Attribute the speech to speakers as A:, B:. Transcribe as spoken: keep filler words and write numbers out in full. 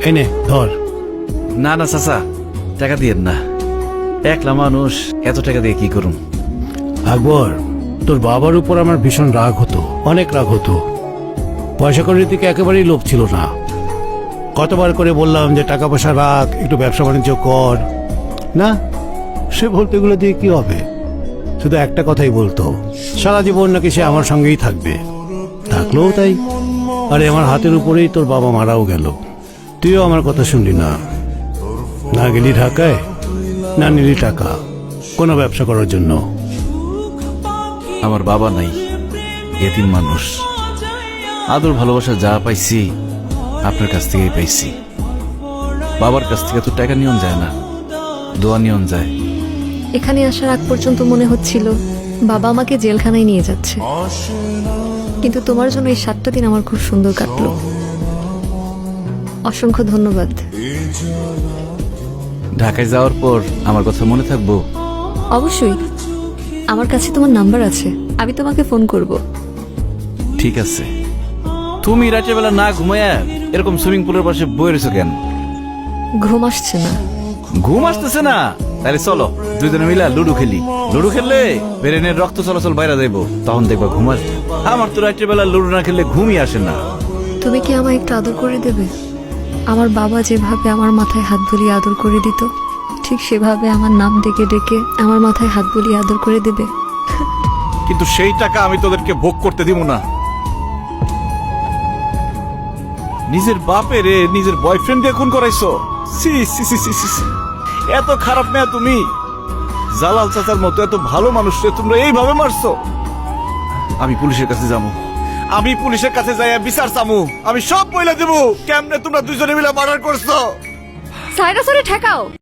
A: এনে ধর।
B: না না চাচা, টাকা দিয়েন না, একলা মানুষ, এত টাকা দিয়ে কি করুম?
A: আকবর, তোর বাবার উপর আমার ভীষণ রাগ হতো, অনেক রাগ হতো। পয়সা করির দিকে একেবারেই লোভ ছিল না। কতবার করে বললাম যে টাকা পয়সা রাখ, একটু ব্যবসা বাণিজ্য কর। না, সে বলতে এগুলো দিয়ে কি হবে? শুধু একটা কথাই বলতো, সারা জীবন নাকি সে আমার সঙ্গেই থাকবে। থাকলেও তাই। আরে আমার হাতের উপরেই তোর বাবা মারাও গেল, তুইও আমার কথা শুনলি না। না গেলি ঢাকায়, না নিলি টাকা কোনো ব্যবসা করার জন্য।
B: আমার বাবা নাই, এতিম মানুষ। আদর ভালোবাসা যা পাইছি আপনার কাছ থেকেই পাইছি। বাবার কাছ থেকে তো টাকা নিয়ন যায় না, দোয়া নিয়ন যায়।
C: এখানে আসার আগ পর্যন্ত মনে হচ্ছিল বাবা আমাকে জেলখানায় নিয়ে যাচ্ছে, কিন্তু তোমার জন্য এই সাতটা দিন আমার খুব সুন্দর কাটলো। অসংখ্য ধন্যবাদ।
B: ঢাকায় যাওয়ার পর আমার কথা মনে থাকবো?
C: অবশ্যই, আমার কাছে তোমার নাম্বার আছে, আমি তোমাকে ফোন করব।
B: ঠিক আছে। তুমি রাতের বেলা না ঘুমায়া এরকম সুইমিং পুলের পাশে বয়ে রয়েছো কেন?
C: ঘুম আসছে না।
B: ঘুম আসতেছে না? তাহলে চলো দুজনে মিলা লুডু খেলি। লুডু খেললে ব্রেনের রক্ত চলাচল বাইরে যাইব, তখন দেখবা ঘুম আসবে। আমার তো রাতের বেলা লুডু না খেললে ঘুমই আসে না।
C: তুমি কি আমায় একটু আদর করে দেবে? আমার বাবা যেভাবে আমার মাথায় হাত বুলিয়ে আদর করে দিত, ঠিক সেভাবে আমার নাম ডেকে ডেকে আমার মাথায় হাত বুলিয়ে আদর করে দেবে।
B: কিন্তু সেই টাকা আমি তোদেরকে ভোগ করতে দিব না। নিজের বাপের নিজের বয়ফ্রেন্ড দিয়ে খুন করাইছো? সি সি সি সি সি। এত খারাপ মেয়ে তুমি? জালাল চাচার মতো এত ভালো মানুষকে তোমরা এইভাবে মারছো? আমি পুলিশের কাছে যাবো, আমি পুলিশের কাছে যাই বিচার চামু, আমি সব বইলা দেবো কেমনে তোমরা দুজনে মিলে মার্ডার করছো।
C: সাইরা সরে ঠেকাও।